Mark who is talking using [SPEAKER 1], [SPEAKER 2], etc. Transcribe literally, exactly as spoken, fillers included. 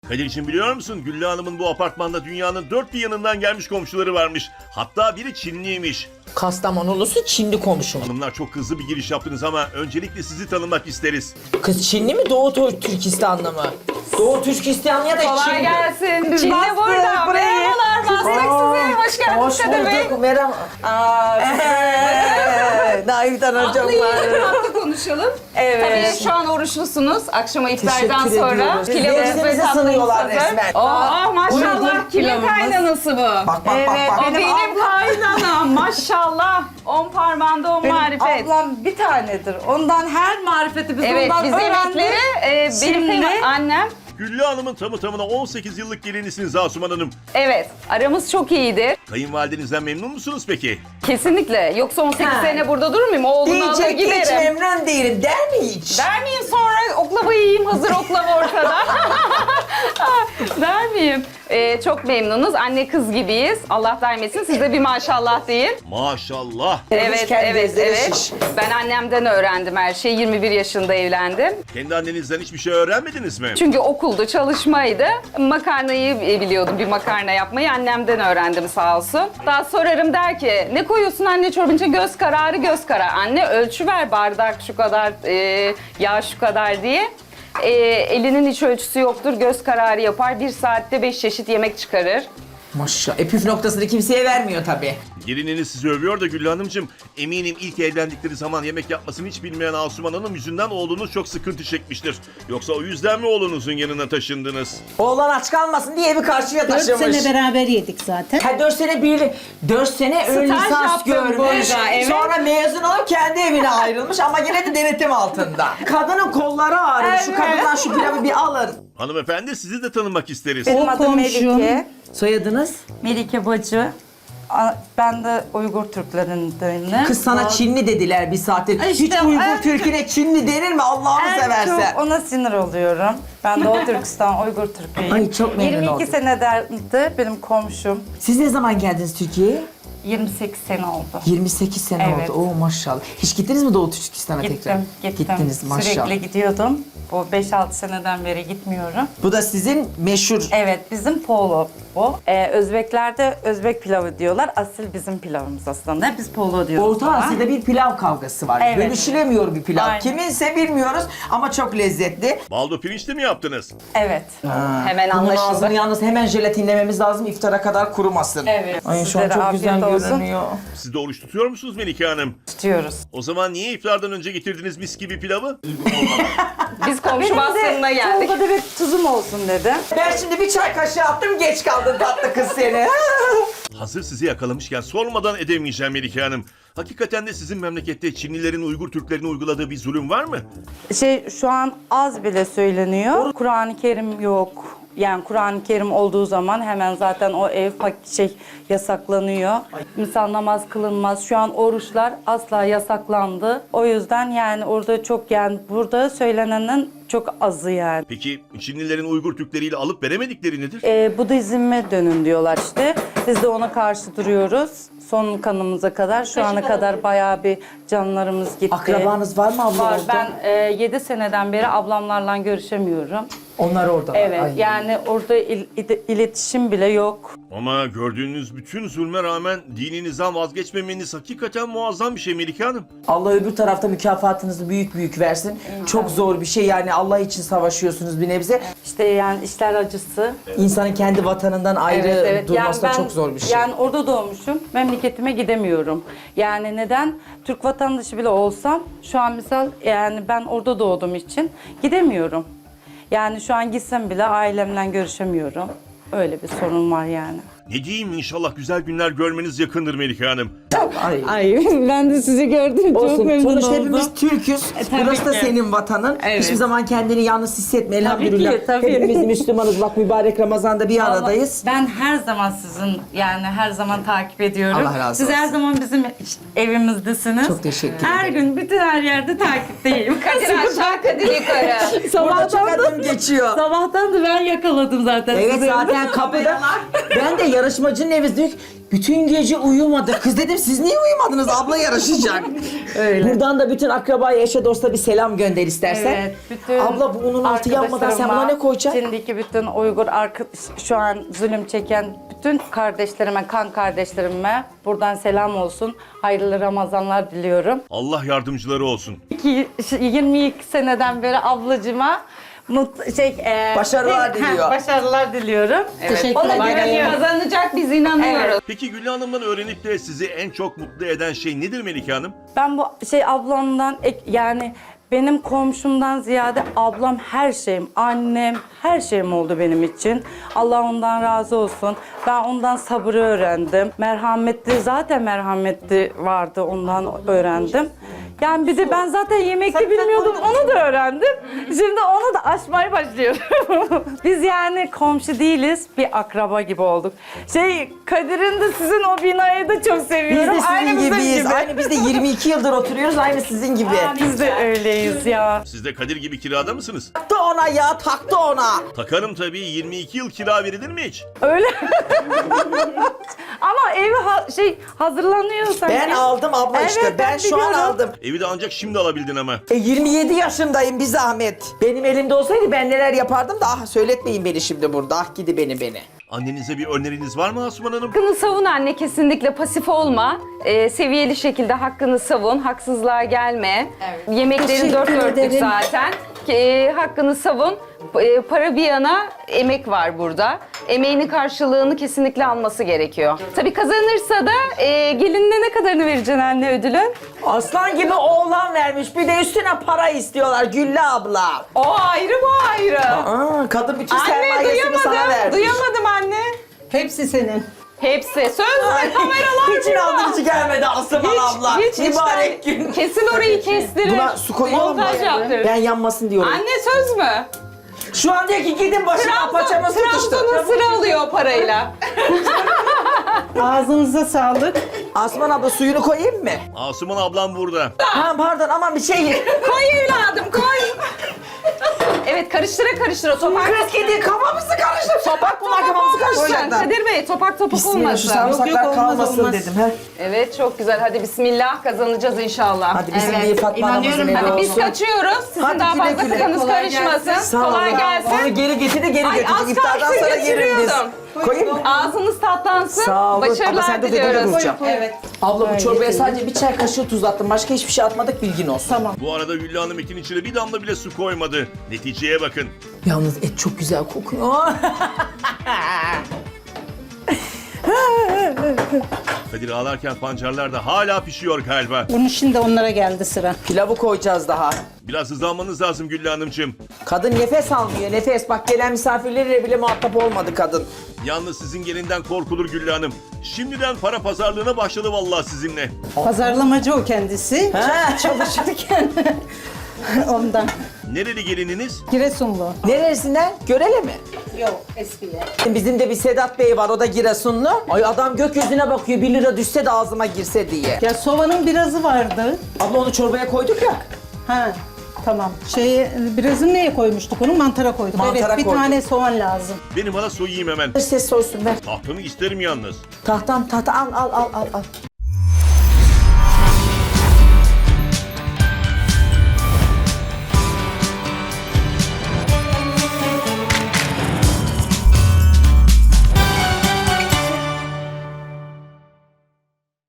[SPEAKER 1] Kadir'cim biliyor musun? Güllü Hanım'ın bu apartmanda dünyanın dört bir yanından gelmiş komşuları varmış. Hatta biri Çinliymiş.
[SPEAKER 2] Kastamonulusu Çinli komşum.
[SPEAKER 1] Hanımlar çok hızlı bir giriş yaptınız ama öncelikle sizi tanımak isteriz.
[SPEAKER 2] Kız Çinli mi Doğu Tür- Türkistanlı mı? Doğu Türkistan ya da
[SPEAKER 3] Kolay
[SPEAKER 2] Çinli.
[SPEAKER 3] gelsin.
[SPEAKER 2] Biz
[SPEAKER 3] Çinli
[SPEAKER 2] bastık
[SPEAKER 3] burada.
[SPEAKER 2] burayı.
[SPEAKER 3] Merhabalar. Bastık sizi. Hoş geldiniz
[SPEAKER 2] Hoş
[SPEAKER 3] Kadir Bey.
[SPEAKER 2] bulduk. Merhaba. Aa, eee, Naif'ten hocam
[SPEAKER 3] Atlayın
[SPEAKER 2] var.
[SPEAKER 3] rahatla konuşalım.
[SPEAKER 2] Evet.
[SPEAKER 3] Tabii şu an oruçlusunuz. Akşama iftardan
[SPEAKER 2] Teşekkür
[SPEAKER 3] sonra.
[SPEAKER 2] ediyoruz.
[SPEAKER 3] Pilavınız ve
[SPEAKER 2] Birbirimizi
[SPEAKER 3] tatlınız
[SPEAKER 2] sınıyorlar
[SPEAKER 3] hazır.
[SPEAKER 2] resmen.
[SPEAKER 3] Oh maşallah.
[SPEAKER 2] Buyurun,
[SPEAKER 3] Kimin
[SPEAKER 2] pilavımız.
[SPEAKER 3] kaynanası bu?
[SPEAKER 2] Bak bak bak bak.
[SPEAKER 3] O benim kaynanam. Maşallah. On parmağında on
[SPEAKER 4] Benim
[SPEAKER 3] marifet.
[SPEAKER 4] ablam bir tanedir. Ondan her marifeti biz
[SPEAKER 3] Evet
[SPEAKER 4] ondan
[SPEAKER 3] biz
[SPEAKER 4] öğrendik.
[SPEAKER 3] yemekleri e, benim
[SPEAKER 4] Şimdi-
[SPEAKER 3] kıyma- annem.
[SPEAKER 1] Güllü Hanım'ın tamı tamına on sekiz yıllık gelinisiniz Asuman Hanım.
[SPEAKER 3] Evet aramız çok iyidir.
[SPEAKER 1] Kayınvalidenizden memnun musunuz peki?
[SPEAKER 3] Kesinlikle. Yoksa on sekiz
[SPEAKER 2] Ha.
[SPEAKER 3] sene burada durur muyum? Oğlunu alır
[SPEAKER 2] Diyecek hiç
[SPEAKER 3] giderim.
[SPEAKER 2] memnun değilim der mi hiç?
[SPEAKER 3] Der miyim sonra oklavayı yiyeyim hazır oklava ortada? Der miyim? Ee, çok memnunuz. Anne kız gibiyiz. Allah daim etsin. Siz de bir maşallah deyin.
[SPEAKER 1] Maşallah.
[SPEAKER 3] Evet,
[SPEAKER 2] kendi
[SPEAKER 3] evet,
[SPEAKER 2] gözleri
[SPEAKER 3] evet.
[SPEAKER 2] şiş.
[SPEAKER 3] Ben annemden öğrendim her şeyi. yirmi bir yaşında evlendim.
[SPEAKER 1] Kendi annenizden hiçbir şey öğrenmediniz mi?
[SPEAKER 3] Çünkü okulda çalışmaydı. Makarnayı biliyordum, bir makarna yapmayı. Annemden öğrendim sağ olsun. Daha sorarım der ki, ne koyuyorsun anne çorbince? Göz kararı, göz kararı. Anne ölçü ver bardak şu kadar, e, yağ şu kadar diye. E, elinin hiç ölçüsü yoktur, göz kararı yapar. Bir saatte beş çeşit yemek çıkarır.
[SPEAKER 2] Maşallah. E püf noktasını kimseye vermiyor tabii.
[SPEAKER 1] Gelininiz sizi övüyor da Güllü Hanımcığım. Eminim ilk evlendikleri zaman yemek yapmasını hiç bilmeyen Asuman Hanım yüzünden oğlunuz çok sıkıntı çekmiştir. Yoksa o yüzden mi oğlunuzun yanına taşındınız?
[SPEAKER 2] Oğlan aç kalmasın diye evi karşıya
[SPEAKER 5] Dört
[SPEAKER 2] taşımış.
[SPEAKER 5] sene beraber yedik zaten.
[SPEAKER 2] Ha dört sene bir, dört sene ön
[SPEAKER 3] Staj
[SPEAKER 2] lisans
[SPEAKER 3] yaptım
[SPEAKER 2] görmüş.
[SPEAKER 3] burada, evet.
[SPEAKER 2] Sonra mezun olup kendi evine ayrılmış ama yine de denetim altında. Kadının kolları ağrıyor. Şu kadından şu pilavı bir alın.
[SPEAKER 1] Hanımefendi sizi de tanımak isteriz.
[SPEAKER 4] Benim
[SPEAKER 5] O
[SPEAKER 4] adım
[SPEAKER 5] komşum.
[SPEAKER 4] Melike.
[SPEAKER 2] Soyadınız?
[SPEAKER 4] Melike Bacı. A- Ben de Uygur Türklerindenim.
[SPEAKER 2] Kız sana
[SPEAKER 4] O-
[SPEAKER 2] Çinli dediler bir saattir.
[SPEAKER 4] İşte
[SPEAKER 2] Hiç Uygur
[SPEAKER 4] en-
[SPEAKER 2] Türk'üne Çinli denir mi Allah'ını
[SPEAKER 4] En
[SPEAKER 2] seversen?
[SPEAKER 4] çok ona sinir oluyorum. Ben Doğu Türkistan Uygur Türk'üyüm.
[SPEAKER 2] Ay, çok memnun
[SPEAKER 4] yirmi iki
[SPEAKER 2] oldum.
[SPEAKER 4] senedir benim komşum.
[SPEAKER 2] Siz ne zaman geldiniz Türkiye'ye?
[SPEAKER 4] yirmi sekiz sene oldu.
[SPEAKER 2] yirmi sekiz sene
[SPEAKER 4] Evet.
[SPEAKER 2] oldu. Oo maşallah. Hiç gittiniz mi Doğu Türkistan'a tekrar?
[SPEAKER 4] Gittim, gittim.
[SPEAKER 2] Gittiniz maşallah.
[SPEAKER 4] Sürekli gidiyordum. Bu beş altı seneden beri gitmiyorum.
[SPEAKER 2] Bu da sizin meşhur.
[SPEAKER 4] Evet, bizim polo bu. Ee, Özbeklerde Özbek pilavı diyorlar. Asil bizim pilavımız aslında. Biz polo diyoruz.
[SPEAKER 2] Orta
[SPEAKER 4] buna.
[SPEAKER 2] Asya'da bir pilav kavgası var.
[SPEAKER 4] Evet.
[SPEAKER 2] Bölüşülemiyor bir pilav.
[SPEAKER 4] Aynen.
[SPEAKER 2] Kiminse bilmiyoruz ama çok lezzetli.
[SPEAKER 1] Baldo pirinçli mi yaptınız?
[SPEAKER 4] Evet.
[SPEAKER 3] Hemen
[SPEAKER 2] Bunun
[SPEAKER 3] anlaşıldı.
[SPEAKER 2] ağzını yalnız hemen jelatinlememiz lazım iftara kadar kurumasın.
[SPEAKER 4] Evet.
[SPEAKER 2] Ay şu an
[SPEAKER 4] Sizlere
[SPEAKER 2] çok güzel
[SPEAKER 4] afiyet olsun.
[SPEAKER 2] görünüyor.
[SPEAKER 1] Siz de oruç tutuyor musunuz Melike Hanım?
[SPEAKER 4] Tutuyoruz.
[SPEAKER 1] O zaman niye iftardan önce getirdiniz mis gibi pilavı?
[SPEAKER 3] Biz komşu bastığına geldik.
[SPEAKER 4] Tolga bir tuzum olsun dedim.
[SPEAKER 2] Ben şimdi bir çay kaşığı attım geç kaldın tatlı kız seni.
[SPEAKER 1] Hazır sizi yakalamışken sormadan edemeyeceğim Melike Hanım. Hakikaten de sizin memlekette Çinlilerin Uygur Türklerine uyguladığı bir zulüm var mı?
[SPEAKER 4] Şey şu an az bile söyleniyor. Kur'an-ı Kerim yok. Yani Kur'an-ı Kerim olduğu zaman hemen zaten o ev pak- şey yasaklanıyor. Misal namaz kılınmaz. Şu an oruçlar asla yasaklandı. O yüzden yani orada çok yani burada söylenenin çok azı yani.
[SPEAKER 1] Peki Çinlilerin Uygur Türkleriyle alıp veremedikleri nedir?
[SPEAKER 4] Ee, Budizme dönün diyorlar işte. Biz de ona karşı duruyoruz. Son kanımıza kadar. Şu ana kadar bayağı bir canlarımız gitti.
[SPEAKER 2] Akrabanız var mı abla
[SPEAKER 4] Var.
[SPEAKER 2] oldu?
[SPEAKER 4] Ben e, yedi seneden beri ablamlarla görüşemiyorum.
[SPEAKER 2] Onlar orada.
[SPEAKER 4] Evet.
[SPEAKER 2] Ay.
[SPEAKER 4] Yani orada il- il- iletişim bile yok.
[SPEAKER 1] Ama gördüğünüz bütün zulme rağmen dininizden vazgeçmemeniz hakikaten muazzam bir şey Melike Hanım.
[SPEAKER 2] Allah öbür tarafta mükafatınızı büyük büyük versin. Çok zor bir şey yani Allah için savaşıyorsunuz bir nebze.
[SPEAKER 4] İşte yani işler acısı.
[SPEAKER 2] İnsanın kendi vatanından ayrı
[SPEAKER 4] Evet, evet.
[SPEAKER 2] durması da
[SPEAKER 4] Yani ben-
[SPEAKER 2] çok zor bir şey.
[SPEAKER 4] Yani orada doğmuşum. Memleketime gidemiyorum. Yani neden? Türk vatandaşı bile olsam şu an misal yani ben orada doğduğum için gidemiyorum. Yani şu an gitsem bile ailemle görüşemiyorum. Öyle bir sorun var yani.
[SPEAKER 1] Ne diyeyim inşallah güzel günler görmeniz yakındır Melike Hanım.
[SPEAKER 2] Ay.
[SPEAKER 4] Ay ben de sizi gördüm.
[SPEAKER 2] Olsun. Sonuçta hepimiz Türk'üz.
[SPEAKER 4] tabii
[SPEAKER 2] Burası da
[SPEAKER 4] ki.
[SPEAKER 2] senin vatanın.
[SPEAKER 4] Evet.
[SPEAKER 2] Hiçbir zaman kendini yalnız hissetme elhamdülillah.
[SPEAKER 4] ki, tabii.
[SPEAKER 2] Hepimiz Müslümanız. Bak mübarek Ramazan'da bir aradayız.
[SPEAKER 4] Ben her zaman sizin yani her zaman takip ediyorum.
[SPEAKER 2] Allah razı
[SPEAKER 4] Siz her
[SPEAKER 2] olsun.
[SPEAKER 4] zaman bizim evimizdesiniz.
[SPEAKER 2] Çok teşekkür
[SPEAKER 4] Her
[SPEAKER 2] ederim.
[SPEAKER 4] gün bütün her yerde takipteyim.
[SPEAKER 3] Kadir aşağı Kadir yukarı.
[SPEAKER 2] Burada çok
[SPEAKER 4] sabahtan da,
[SPEAKER 2] adım geçiyor.
[SPEAKER 4] sabahtan da ben yakaladım zaten.
[SPEAKER 2] Evet
[SPEAKER 4] sizi.
[SPEAKER 2] zaten kapıda. Ben de yarışmacının evi diyor ki, Bütün gece uyumadı. Kız dedim siz niye uyumadınız? Abla yarışacak. Öyle. Buradan da bütün akrabaya, eşe dosta bir selam gönder istersen.
[SPEAKER 4] Evet, bütün
[SPEAKER 2] Abla bu unun altı yapmadan sen buna ne koyacaksın?
[SPEAKER 4] Şimdiki bütün Uygur arka, şu an zulüm çeken bütün kardeşlerime, kan kardeşlerime buradan selam olsun. Hayırlı Ramazanlar diliyorum.
[SPEAKER 1] Allah yardımcıları olsun.
[SPEAKER 4] İki- yirmi iki seneden beri ablacıma mut, şey, e,
[SPEAKER 2] Başarılar
[SPEAKER 4] heh,
[SPEAKER 2] diliyor.
[SPEAKER 4] başarılar diliyorum.
[SPEAKER 3] Evet,
[SPEAKER 4] Ona
[SPEAKER 3] kolay
[SPEAKER 4] güveniyorum.
[SPEAKER 3] gelsin. Kazanacak biz inanıyoruz.
[SPEAKER 1] Peki Güllü Hanım'dan öğrenip de sizi en çok mutlu eden şey nedir Melike Hanım?
[SPEAKER 4] Ben bu şey ablamdan ek- yani benim komşumdan ziyade ablam her şeyim, annem her şeyim oldu benim için. Allah ondan razı olsun. Ben ondan sabrı öğrendim. Merhametli, zaten merhametli vardı, ondan öğrendim. Yani bir de ben zaten yemekte bilmiyordum, onu da öğrendim. Şimdi onu da aşmaya başlıyorum. Biz yani komşu değiliz, bir akraba gibi olduk. Şey, Kadir'in de sizin o binayı da çok
[SPEAKER 2] Biz
[SPEAKER 4] seviyorum.
[SPEAKER 2] de sizin
[SPEAKER 4] Aynı bizim
[SPEAKER 2] gibiyiz.
[SPEAKER 4] gibi.
[SPEAKER 2] Aynı biz de yirmi iki yıldır oturuyoruz. Aynı sizin gibi.
[SPEAKER 4] Biz de öyleyiz ya.
[SPEAKER 1] Siz de Kadir gibi kirada mısınız?
[SPEAKER 2] Taktı ona ya, taktı ona.
[SPEAKER 1] Takarım tabii, yirmi iki yıl kira verilir mi hiç?
[SPEAKER 4] Öyle. Ama evi ha- şey hazırlanıyor sanki.
[SPEAKER 2] Ben aldım abla
[SPEAKER 4] Evet,
[SPEAKER 2] işte. Ben,
[SPEAKER 4] ben
[SPEAKER 2] şu an
[SPEAKER 4] biliyorum.
[SPEAKER 2] aldım.
[SPEAKER 1] Evi de ancak şimdi alabildin ama.
[SPEAKER 2] E, yirmi yedi yaşındayım bir zahmet. Benim elimde olsaydı ben neler yapardım da ah söyletmeyin beni şimdi burada. Ah gidi beni beni.
[SPEAKER 1] Annenize bir öneriniz var mı Asuman Hanım?
[SPEAKER 3] Hakkını savun anne, kesinlikle pasif olma. Ee, seviyeli şekilde hakkını savun, haksızlığa gelme. Yemeklerin dört dörtlük zaten. Ee, hakkını savun. Ee, para bir yana, emek var burada. Emeğinin karşılığını kesinlikle alması gerekiyor. Tabii kazanırsa da e, gelinine ne kadarını vereceksin anne ödülün?
[SPEAKER 2] Aslan gibi oğlan vermiş. Bir de üstüne para istiyorlar Güllü abla.
[SPEAKER 3] O ayrı, bu ayrı.
[SPEAKER 2] Aa, kadın bütün
[SPEAKER 3] Anne
[SPEAKER 2] sermayesini sana
[SPEAKER 3] duyamadım,
[SPEAKER 2] vermiş.
[SPEAKER 3] duyamadım anne.
[SPEAKER 5] Hepsi senin.
[SPEAKER 3] Hepsi. Söz mü? Kameralar
[SPEAKER 2] Hiç inandırıcı gelmedi Aslan abla.
[SPEAKER 3] hiç,
[SPEAKER 2] Mübarek
[SPEAKER 3] içten-
[SPEAKER 2] gün.
[SPEAKER 3] Kesin orayı kestirir.
[SPEAKER 2] Buna su koyuyor mu?
[SPEAKER 3] Montaj yaptırır.
[SPEAKER 2] Ben yanmasın diyorum.
[SPEAKER 3] Anne söz mü?
[SPEAKER 2] Şu an diyor ki gidin başıma paçama sıkıştı.
[SPEAKER 3] Trabzon'un sıra alıyor o parayla.
[SPEAKER 5] Ağzınıza sağlık.
[SPEAKER 2] Asman abla suyunu koyayım mı?
[SPEAKER 1] Asuman ablam burada.
[SPEAKER 2] Ha pardon aman bir şey.
[SPEAKER 3] Koy evladım koy. Evet, karıştıra karıştıra topak.
[SPEAKER 2] Kız kedi kafamızı karıştır. Sopak bunlar kafamızı karıştıracaklar.
[SPEAKER 3] Kadir Bey, topak topak
[SPEAKER 2] Bismillah şu
[SPEAKER 3] olmasın.
[SPEAKER 2] sarımsaklar
[SPEAKER 5] Yok, yok, olmaz,
[SPEAKER 2] kalmasın
[SPEAKER 5] olmaz.
[SPEAKER 2] dedim. He.
[SPEAKER 3] Evet, çok güzel. Hadi bismillah, kazanacağız inşallah.
[SPEAKER 2] Hadi bizim
[SPEAKER 3] Evet.
[SPEAKER 2] iyi Fatma anamızın
[SPEAKER 5] İnanıyorum
[SPEAKER 2] evi
[SPEAKER 5] ben.
[SPEAKER 3] Hadi biz
[SPEAKER 2] olsun.
[SPEAKER 3] kaçıyoruz. Sizin
[SPEAKER 2] Hadi
[SPEAKER 3] daha
[SPEAKER 2] güle
[SPEAKER 3] fazla
[SPEAKER 2] güle.
[SPEAKER 3] kafanız
[SPEAKER 5] Kolay
[SPEAKER 3] karışmasın.
[SPEAKER 5] gelsin.
[SPEAKER 2] Sağ
[SPEAKER 3] Kolay
[SPEAKER 2] olun.
[SPEAKER 3] gelsin.
[SPEAKER 2] Onu geri getir de geri
[SPEAKER 3] Ay,
[SPEAKER 2] götür.
[SPEAKER 3] az
[SPEAKER 2] İftardan
[SPEAKER 3] kalsın
[SPEAKER 2] sonra yerim biz.
[SPEAKER 3] götürüyordum.
[SPEAKER 2] Koyayım mı?
[SPEAKER 3] Ağzınız tatlansın.
[SPEAKER 2] Sağ olun. Ama
[SPEAKER 3] Başarılar
[SPEAKER 2] sen de ödede
[SPEAKER 3] diliyoruz.
[SPEAKER 2] duracağım.
[SPEAKER 5] Evet.
[SPEAKER 2] Abla bu çorbaya sadece bir çay kaşığı tuz attım. Başka hiçbir şey atmadık bilgin olsun. Tamam.
[SPEAKER 1] Bu arada Güllü Hanım etin içine bir damla bile su koymadı. Neticeye bakın.
[SPEAKER 2] Yalnız et çok güzel kokuyor.
[SPEAKER 1] Kadir ağlarken pancarlar da hala pişiyor galiba.
[SPEAKER 5] Bunun şimdi onlara geldi sıra.
[SPEAKER 2] Pilavı koyacağız daha.
[SPEAKER 1] Biraz hızlanmanız lazım Güllü Hanımcığım.
[SPEAKER 2] Kadın nefes almıyor nefes. Bak gelen misafirleriyle bile muhatap olmadı kadın.
[SPEAKER 1] Yalnız sizin gelinden korkulur Güllü Hanım. Şimdiden para pazarlığına başladı vallahi sizinle.
[SPEAKER 5] Pazarlamacı o kendisi.
[SPEAKER 2] Ha.
[SPEAKER 5] Çalışırken. Ondan.
[SPEAKER 1] Nereli gelininiz?
[SPEAKER 5] Giresunlu.
[SPEAKER 2] Neresinden? Görele mi?
[SPEAKER 5] Yok eskiye.
[SPEAKER 2] Bizim de bir Sedat Bey var o da Giresunlu. Ay adam gökyüzüne bakıyor bir lira düşse de ağzıma girse diye.
[SPEAKER 5] Ya soğanın birazı vardı.
[SPEAKER 2] Abla onu çorbaya koyduk ya.
[SPEAKER 5] Ha. Tamam. Şey birazını neye koymuştuk onu? Mantara koyduk.
[SPEAKER 2] Mantara
[SPEAKER 5] evet bir
[SPEAKER 2] koyduk.
[SPEAKER 5] tane soğan lazım.
[SPEAKER 1] Benim bana soyayım hemen.
[SPEAKER 2] Ses soysun ver.
[SPEAKER 1] Tahtımı isterim yalnız.
[SPEAKER 2] Tahtam tahta al al al al al.